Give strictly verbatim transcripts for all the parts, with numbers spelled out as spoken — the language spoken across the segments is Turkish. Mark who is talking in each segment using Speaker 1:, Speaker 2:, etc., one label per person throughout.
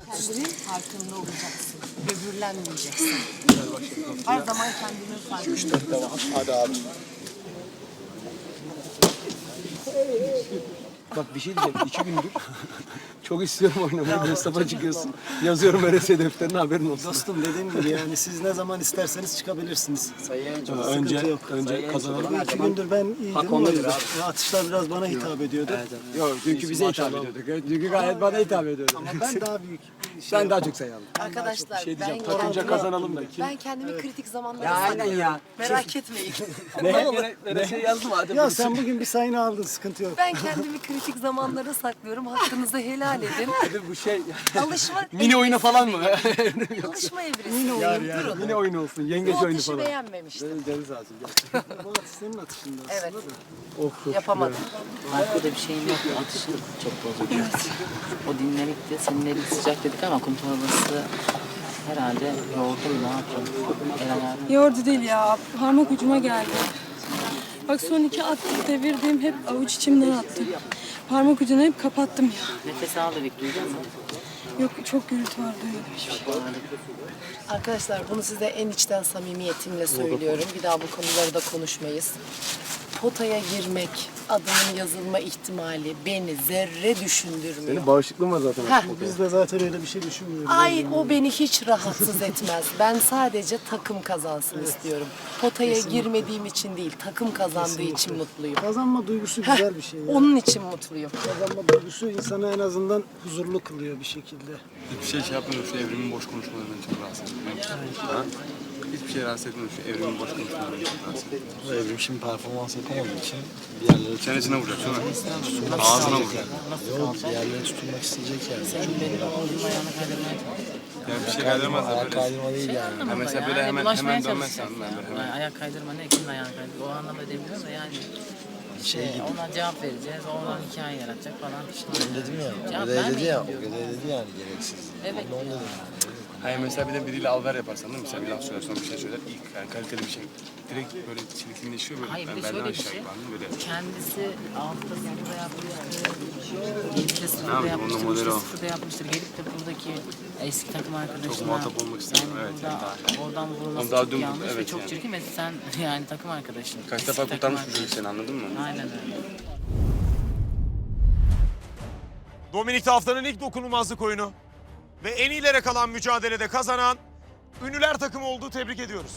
Speaker 1: Kendinin farkında olacaksın. Böbürlenmeyeceksin. Her zaman kendinin farkında.
Speaker 2: Tamam. Hadi abi.
Speaker 3: Bak bir şey diyeceğim. İki gündür çok istiyorum oynamayı. Mustafa çıkıyorsun. Yazıyorum R S defterine, haberin olsun.
Speaker 2: Dostum dediğim gibi yani siz ne zaman isterseniz çıkabilirsiniz.
Speaker 3: Ha, önce önce kazanalım.
Speaker 2: İki gündür ben iyiydim o yüzden. Atışlar biraz bana hitap ediyordu.
Speaker 3: Yok, dünkü bize hitap ediyorduk. Dünkü gayet bana hitap ediyordu.
Speaker 2: Ama ben daha büyük bir şey
Speaker 3: Ben daha çok sayalım.
Speaker 1: Arkadaşlar
Speaker 3: Şey
Speaker 1: ben,
Speaker 3: diyeceğim, takımca kazanalım da.
Speaker 1: ben kendimi kritik zamanlarda
Speaker 3: Ya aynen
Speaker 1: saklıyorum.
Speaker 3: ya.
Speaker 1: Merak etmeyin.
Speaker 3: Ne? Ne? Şey yazdım hadi.
Speaker 2: Ya sen bugün bir sayını aldın, sıkıntı yok.
Speaker 1: Ben kendimi kritik zamanlara saklıyorum. Hakkınızı helal edin.
Speaker 3: Hadi bu şey.
Speaker 1: Alışma
Speaker 3: Mini oyunu falan mı?
Speaker 1: Alışma evresi. Durun.
Speaker 3: Mini oyunu olsun. Yengeç
Speaker 1: Bu
Speaker 3: oyunu
Speaker 1: atışı
Speaker 3: falan.
Speaker 1: beğenmemiştim.
Speaker 3: Canı sağ olsun.
Speaker 2: Bu atış senin atışında aslında
Speaker 1: Evet.
Speaker 2: da.
Speaker 3: Of of.
Speaker 1: Yapamadım.
Speaker 4: Farklı da bir şeyim yok. Atışın çok bozuldu. O dinlenikti. Senin elin sıcak dedik ama kum torbası herhalde yoğurdum. Ne yapacağım? El ayağım.
Speaker 5: Yoğurdu değil ya. Parmak ucuma geldi. Bak son iki attık devirdim. Hep avuç içimden attım. Parmak ucunu hep kapattım ya.
Speaker 4: Nefes al dedik. Duydun mu?
Speaker 5: Yok çok gürültü var duymadım hiçbir şey.
Speaker 1: Arkadaşlar bunu size en içten samimiyetimle söylüyorum. Bir daha bu konuları da konuşmayız. Potaya girmek, adının yazılma ihtimali beni zerre düşündürmüyor.
Speaker 3: Senin bağışıklığın var zaten.
Speaker 1: Heh.
Speaker 2: Biz de zaten öyle bir şey düşünmüyoruz.
Speaker 1: Ay o beni hiç rahatsız etmez. Ben sadece takım kazansın istiyorum. Potaya girmediğim için değil, takım kazandığı için mutluyum.
Speaker 2: Kazanma duygusu
Speaker 1: Heh,
Speaker 2: güzel bir şey ya.
Speaker 1: onun için mutluyum.
Speaker 2: Kazanma duygusu insanı en azından huzurlu kılıyor bir şekilde.
Speaker 6: Hiçbir şey şey yapmıyorum, şu evrimin boş konuşmalarından çok rahatsız ediyorum. Ha? Hiçbir şey rahatsız etmiyorum, şu evrimin boş konuşmalarından çok rahatsız ediyorum.
Speaker 7: Bu evrim şimdi performans yapamadığı için bir yerlere
Speaker 6: Çenesine vuracak değil mi? Ağzına vuracak.
Speaker 7: yok, bir yerlere tutunmak isteyecek yani.
Speaker 4: Senin benim oğlum ayağını kaydırmaya
Speaker 6: Yani bir şey kaydırmaz da
Speaker 7: Ayak
Speaker 6: böyle.
Speaker 7: kaydırma değil
Speaker 4: Şey
Speaker 7: yani.
Speaker 4: anlamında
Speaker 6: mesela
Speaker 4: ya,
Speaker 6: böyle
Speaker 4: hani
Speaker 6: hemen-
Speaker 4: bulaşmaya
Speaker 6: hemen dönmezsen
Speaker 4: çalışacaksın
Speaker 6: ben
Speaker 4: ya.
Speaker 6: böyle hemen-
Speaker 4: Yani ayak kaydırma ne? Kimin ayağını kaydırma? O anlamda demiyorum da yani.
Speaker 7: Şey
Speaker 4: Şey,
Speaker 7: gibi.
Speaker 4: ona cevap vereceğiz, oradan hikaye yaratacak falan.
Speaker 7: Ben dedim ya, o
Speaker 4: Cevap
Speaker 7: gödev dedi
Speaker 4: vermeyin
Speaker 7: ya, o
Speaker 4: diyorum.
Speaker 7: gödev dedi yani gereksiz.
Speaker 4: Evet.
Speaker 7: Ben de onu dedim yani.
Speaker 6: Hayır mesela bir de biriyle alver yaparsan değil mi? Mesela bir laf söyler sonra bir şey söyler. İlk yani kaliteli bir şey. Direkt böyle çirkinleşiyor böyle.
Speaker 4: Hayır, bir de
Speaker 6: benden
Speaker 4: şöyle bir
Speaker 6: aşağı
Speaker 4: şey.
Speaker 6: anladın mı? Böyle.
Speaker 4: Kendisi altta sıfırda yapmıştır, yedide sıfırda
Speaker 6: yapayım,
Speaker 4: yapmıştır,
Speaker 6: onun modeli
Speaker 4: üçte
Speaker 6: o.
Speaker 4: sıfırda yapmıştır. Gelip de buradaki eski takım arkadaşına...
Speaker 6: Çok muhatap olmak istemiyorum,
Speaker 4: Yani
Speaker 6: evet,
Speaker 4: burada,
Speaker 6: yani daha-
Speaker 4: oradan vurulması
Speaker 6: Ama daha
Speaker 4: çok
Speaker 6: dün-
Speaker 4: yanlış ve
Speaker 6: evet
Speaker 4: çok
Speaker 6: yani.
Speaker 4: çirkin ve sen yani takım arkadaşın.
Speaker 6: Kaç
Speaker 4: eski
Speaker 6: defa
Speaker 4: takım
Speaker 6: kurtarmış bu
Speaker 4: arkadaşın.
Speaker 6: çocuk seni, anladın mı?
Speaker 4: Aynen öyle.
Speaker 8: Dominik'te haftanın ilk dokunulmazlık oyunu ve en iyilere kalan mücadelede kazanan Ünlüler takımı olduğu tebrik ediyoruz.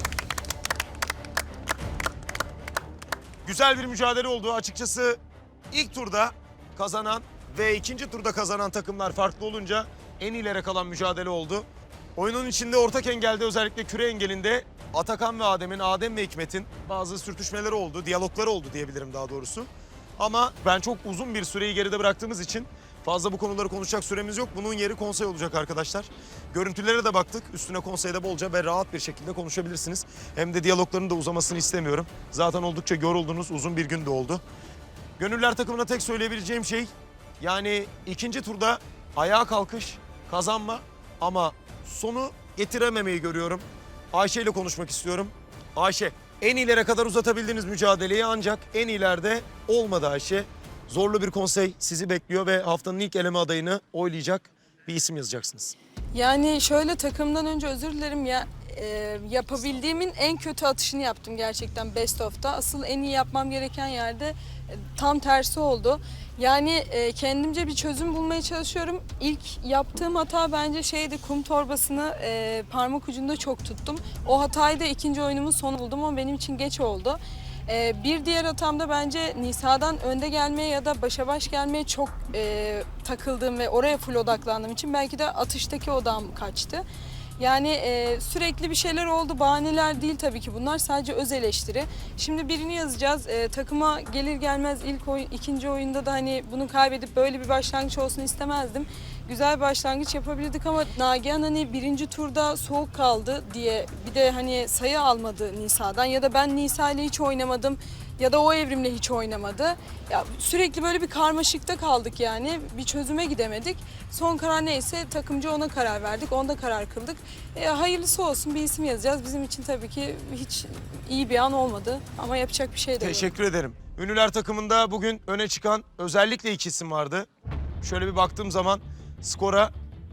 Speaker 8: Güzel bir mücadele oldu. Açıkçası ilk turda kazanan ve ikinci turda kazanan takımlar farklı olunca en iyilere kalan mücadele oldu. Oyunun içinde ortak engelde, özellikle küre engelinde Atakan ve Adem'in, Adem ve Hikmet'in bazı sürtüşmeleri oldu, diyalogları oldu diyebilirim daha doğrusu. Ama ben çok uzun bir süreyi geride bıraktığımız için fazla bu konuları konuşacak süremiz yok. Bunun yeri konsey olacak arkadaşlar. Görüntülere de baktık. Üstüne konseyde bolca ve rahat bir şekilde konuşabilirsiniz. Hem de diyalogların da uzamasını istemiyorum. Zaten oldukça yoruldunuz. Uzun bir gün de oldu. Gönüller takımına tek söyleyebileceğim şey, yani ikinci turda ayağa kalkış, kazanma ama sonu getirememeyi görüyorum. Ayşe ile konuşmak istiyorum. Ayşe, en iyilere kadar uzatabildiğiniz mücadeleyi ancak en iyilerde olmadı Ayşe. Zorlu bir konsey sizi bekliyor ve haftanın ilk eleme adayını oylayacak bir isim yazacaksınız.
Speaker 5: Yani şöyle takımdan önce özür dilerim ya. e, yapabildiğimin en kötü atışını yaptım gerçekten best of'ta. Asıl en iyi yapmam gereken yerde e, tam tersi oldu. Yani e, kendimce bir çözüm bulmaya çalışıyorum. İlk yaptığım hata bence şeydi, kum torbasını e, parmak ucunda çok tuttum. O hatayı da ikinci oyunumun sonu buldum ama benim için geç oldu. E, bir diğer hatam da bence Nisa'dan önde gelmeye ya da başa baş gelmeye çok e, takıldığım ve oraya full odaklandığım için belki de atıştaki odam kaçtı. Yani e, sürekli bir şeyler oldu. Bahaneler değil tabii ki bunlar. Sadece öz eleştiri. Şimdi birini yazacağız. E, takıma gelir gelmez ilk oyun, ikinci oyunda da hani bunu kaybedip böyle bir başlangıç olsun istemezdim. Güzel bir başlangıç yapabilirdik ama Nagihan hani birinci turda soğuk kaldı diye bir de hani sayı almadı Nisa'dan ya da ben Nisa ile hiç oynamadım ya da o evrimle hiç oynamadı. Ya sürekli böyle bir karmaşıkta kaldık yani. Bir çözüme gidemedik. Son karar neyse takımcı ona karar verdik. Onda karar kıldık. E, hayırlısı olsun, bir isim yazacağız. Bizim için tabii ki hiç iyi bir an olmadı ama yapacak bir şey de yok.
Speaker 8: Teşekkür ederim. Ünlüler takımında bugün öne çıkan özellikle iki isim vardı. Şöyle bir baktığım zaman skora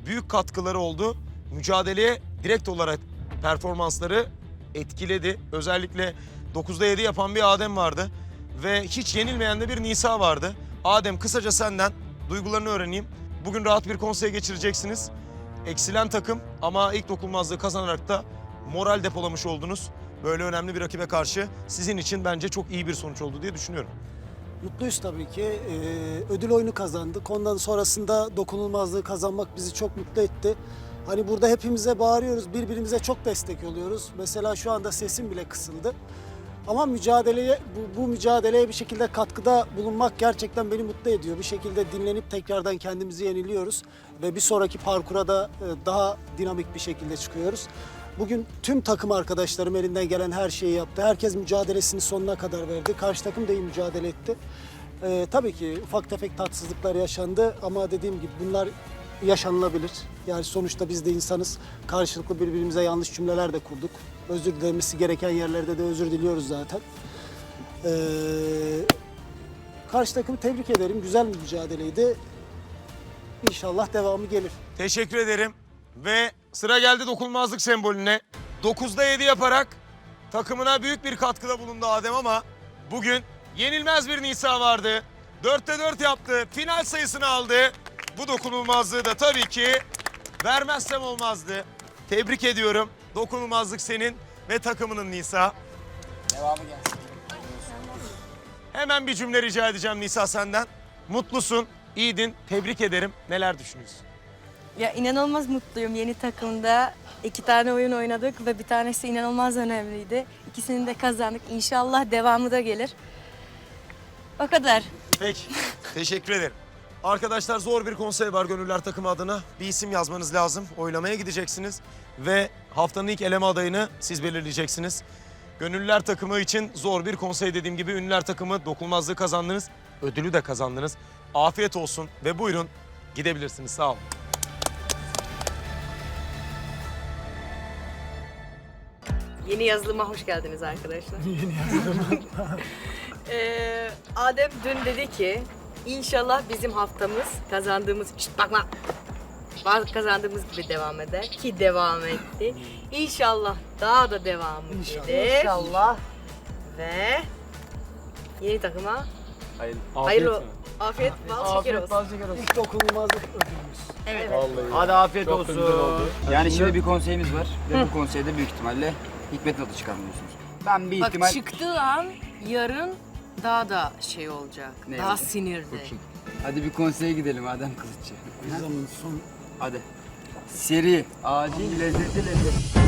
Speaker 8: büyük katkıları oldu. Mücadeleye direkt olarak performansları etkiledi. Özellikle dokuzda yedi yapan bir Adem vardı. Ve hiç yenilmeyen de bir Nisa vardı. Adem, kısaca senden duygularını öğreneyim. Bugün rahat bir konseye geçireceksiniz. Eksilen takım ama ilk dokunulmazlığı kazanarak da moral depolamış oldunuz. Böyle önemli bir rakibe karşı sizin için bence çok iyi bir sonuç oldu diye düşünüyorum.
Speaker 2: Mutluyuz tabii ki. Ee, ödül oyunu kazandık. Ondan sonrasında dokunulmazlığı kazanmak bizi çok mutlu etti. Hani burada hepimize bağırıyoruz, birbirimize çok destek oluyoruz. Mesela şu anda sesim bile kısıldı. Ama mücadeleye, bu, bu mücadeleye bir şekilde katkıda bulunmak gerçekten beni mutlu ediyor. Bir şekilde dinlenip tekrardan kendimizi yeniliyoruz. Ve bir sonraki parkura da e, daha dinamik bir şekilde çıkıyoruz. Bugün tüm takım arkadaşlarım elinden gelen her şeyi yaptı. Herkes mücadelesini sonuna kadar verdi. Karşı takım da iyi mücadele etti. Ee, tabii ki ufak tefek tatsızlıklar yaşandı ama dediğim gibi bunlar yaşanılabilir. Yani sonuçta biz de insanız. Karşılıklı birbirimize yanlış cümleler de kurduk. Özür dilemesi gereken yerlerde de özür diliyoruz zaten. Ee, karşı takımı tebrik ederim. Güzel bir mücadeleydi. İnşallah devamı gelir.
Speaker 8: Teşekkür ederim. Ve sıra geldi dokunulmazlık sembolüne. dokuzda yedi yaparak takımına büyük bir katkıda bulundu Adem ama bugün yenilmez bir Nisa vardı. dörtte dört yaptı. Final sayısını aldı. Bu dokunulmazlığı da tabii ki vermezsem olmazdı. Tebrik ediyorum. Dokunulmazlık senin ve takımının Nisa.
Speaker 7: Devamı gelsin.
Speaker 8: Hemen bir cümle rica edeceğim Nisa senden. Mutlusun, iyiydin. Tebrik ederim. Neler düşünüyorsun?
Speaker 9: Ya inanılmaz mutluyum. Yeni takımda iki tane oyun oynadık ve bir tanesi inanılmaz önemliydi. İkisini de kazandık. İnşallah devamı da gelir. O kadar.
Speaker 8: Peki, teşekkür ederim. Arkadaşlar zor bir konsey var Gönüller takımı adına. Bir isim yazmanız lazım. Oylamaya gideceksiniz. Ve haftanın ilk eleme adayını siz belirleyeceksiniz. Gönüller takımı için zor bir konsey dediğim gibi. Ünlüler takımı dokunulmazlığı kazandınız. Ödülü de kazandınız. Afiyet olsun ve buyurun gidebilirsiniz. Sağ olun.
Speaker 9: Yeni yazılıma hoş geldiniz arkadaşlar. Yeni yazılıma. ee, Adem dün dedi ki inşallah bizim haftamız kazandığımız, şşt bakma, kazandığımız gibi devam eder ki devam etti. İnşallah daha da devamı gelir.
Speaker 1: İnşallah.
Speaker 9: Ve yeni takıma
Speaker 3: Hayır,
Speaker 9: hayırlı afiyet, bal şeker olsun.
Speaker 2: İlk dokunulmazlık ödülümüz.
Speaker 9: Evet.
Speaker 10: Hadi afiyet
Speaker 3: Çok
Speaker 10: olsun.
Speaker 3: güzel oldu.
Speaker 10: Yani şimdi bir konseyimiz var ve bu konseyde büyük ihtimalle hikmet tadı çıkarmıyorsunuz. Ben bir
Speaker 9: Bak
Speaker 10: ihtimal...
Speaker 9: çıktığı an yarın daha da şey olacak.
Speaker 10: Ne
Speaker 9: daha
Speaker 10: olacak?
Speaker 9: sinirli.
Speaker 10: Hadi bir konseye gidelim Adem Kılıççı.
Speaker 2: Bir zaman son
Speaker 10: Hadi. Seri, acil, lezzetli lezzet.